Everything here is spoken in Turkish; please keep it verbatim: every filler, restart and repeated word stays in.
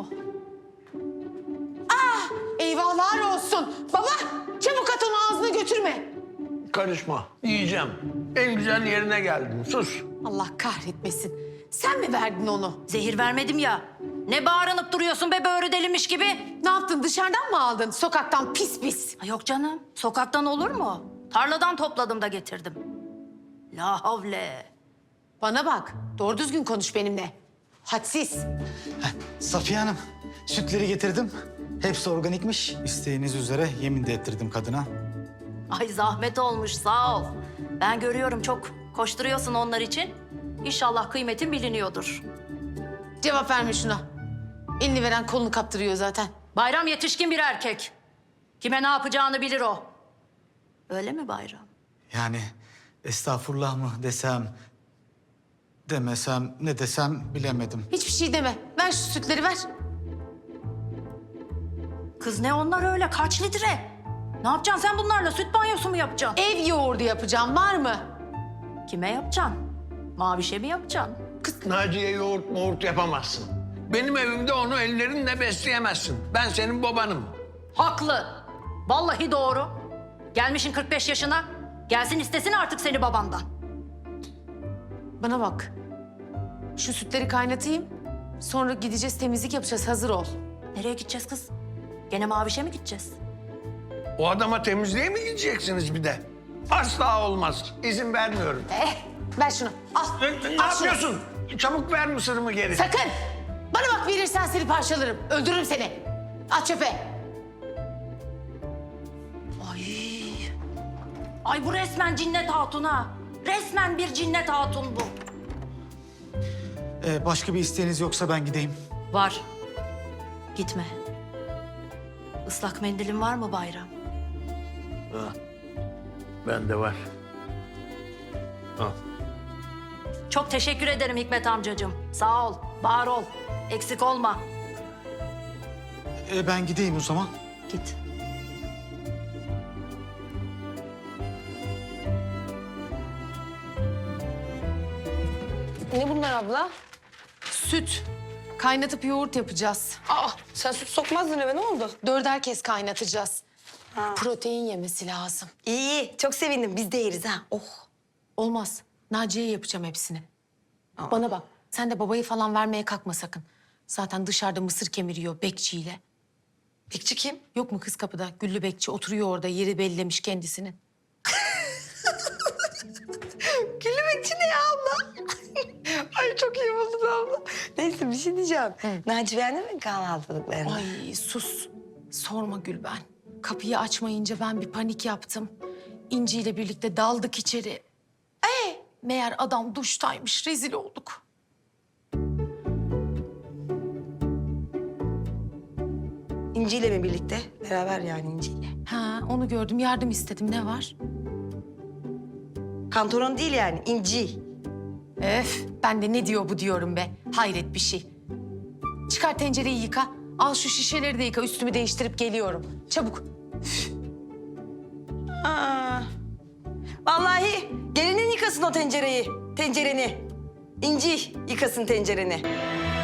Oh. Ah! Eyvahlar olsun. Baba çabuk at onu ağzına götürme. Karışma. Yiyeceğim. En güzel yerine geldin. Sus. Allah kahretmesin. Sen mi verdin onu? Zehir vermedim ya. Ne bağırınıp duruyorsun be böğrü delinmiş gibi? Ne yaptın, dışarıdan mı aldın? Sokaktan pis pis. Ha, yok canım. Sokaktan olur mu? Tarladan topladım da getirdim. La havle. Bana bak, doğru düzgün konuş benimle. Hadsiz. Safiye Hanım, sütleri getirdim. Hepsi organikmiş. İsteğiniz üzere yemin de ettirdim kadına. Ay zahmet olmuş sağ ol. Ben görüyorum çok koşturuyorsun onlar için. İnşallah kıymetin biliniyordur. Cevap verme şuna. Elini veren kolunu kaptırıyor zaten. Bayram yetişkin bir erkek. Kime ne yapacağını bilir o. Öyle mi Bayram? Yani estağfurullah mı desem, demesem, ne desem bilemedim. Hiçbir şey deme. Ver şu sütleri ver. Kız ne onlar öyle kaç litre? Ne yapacaksın sen bunlarla? Süt banyosu mu yapacaksın? Ev yoğurdu yapacağım, var mı? Kime yapacaksın? Mavişe mi yapacaksın? Naciye yoğurt moğurt yapamazsın. Benim evimde onu ellerinle besleyemezsin. Ben senin babanım. Haklı. Vallahi doğru. Gelmişin kırk beş yaşına. Gelsin istesin artık seni babandan. Bana bak. Şu sütleri kaynatayım. Sonra gideceğiz, temizlik yapacağız. Hazır ol. Nereye gideceğiz kız? Gene Mavişe mi gideceğiz? O adama temizliğe mi gideceksiniz bir de? Asla olmaz. İzin vermiyorum. Eh, ver şunu. Al. Ne, ne Al şunu. yapıyorsun? Çabuk ver mısırımı geri. Sakın. Bana bak, verirsen seni parçalarım. Öldürürüm seni. At çöpe. Ay. Ay bu resmen cinnet hatun ha. Resmen bir cinnet hatun bu. Ee, başka bir isteğiniz yoksa ben gideyim. Var. Gitme. Islak mendilin var mı Bayram? Ha, bende var. Al. Çok teşekkür ederim Hikmet amcacığım. Sağ ol, var ol. Eksik olma. Ee, ben gideyim o zaman. Git. Ne bunlar abla? Süt. Kaynatıp yoğurt yapacağız. Aa, sen süt sokmazdın eve, ne oldu? Dörder kez kaynatacağız. Protein yemesi lazım. İyi iyi, çok sevindim. Biz de yeriz ha. Oh. Olmaz. Naciye'ye yapacağım hepsini. Bana bak, sen de babayı falan vermeye kalkma sakın. Zaten dışarıda mısır kemiriyor bekçiyle. Bekçi kim? Yok mu kız kapıda? Güllü bekçi oturuyor orada, yeri bellemiş kendisinin. Güllü bekçi ne ya abla? Ay çok iyi buldun abla. Neyse bir şey diyeceğim. Naci beğendi mi kahvaltılıklarını? Ay sus. Sorma Gülben. Kapıyı açmayınca ben bir panik yaptım. İnci ile birlikte daldık içeri. Ee, meğer adam duştaymış. Rezil olduk. İnci ile mi birlikte? Beraber yani İnci ile. Ha, onu gördüm. Yardım istedim. Ne var? Kantoron değil yani, İnci. Öf, ben de ne diyor bu diyorum be. Hayret bir şey. Çıkar tencereyi yıka. Al şu şişeleri de yıka. Üstümü değiştirip geliyorum. Çabuk. Aa. Vallahi gelinin yıkasın o tencereyi, tencereni. İnci yıkasın tencereni.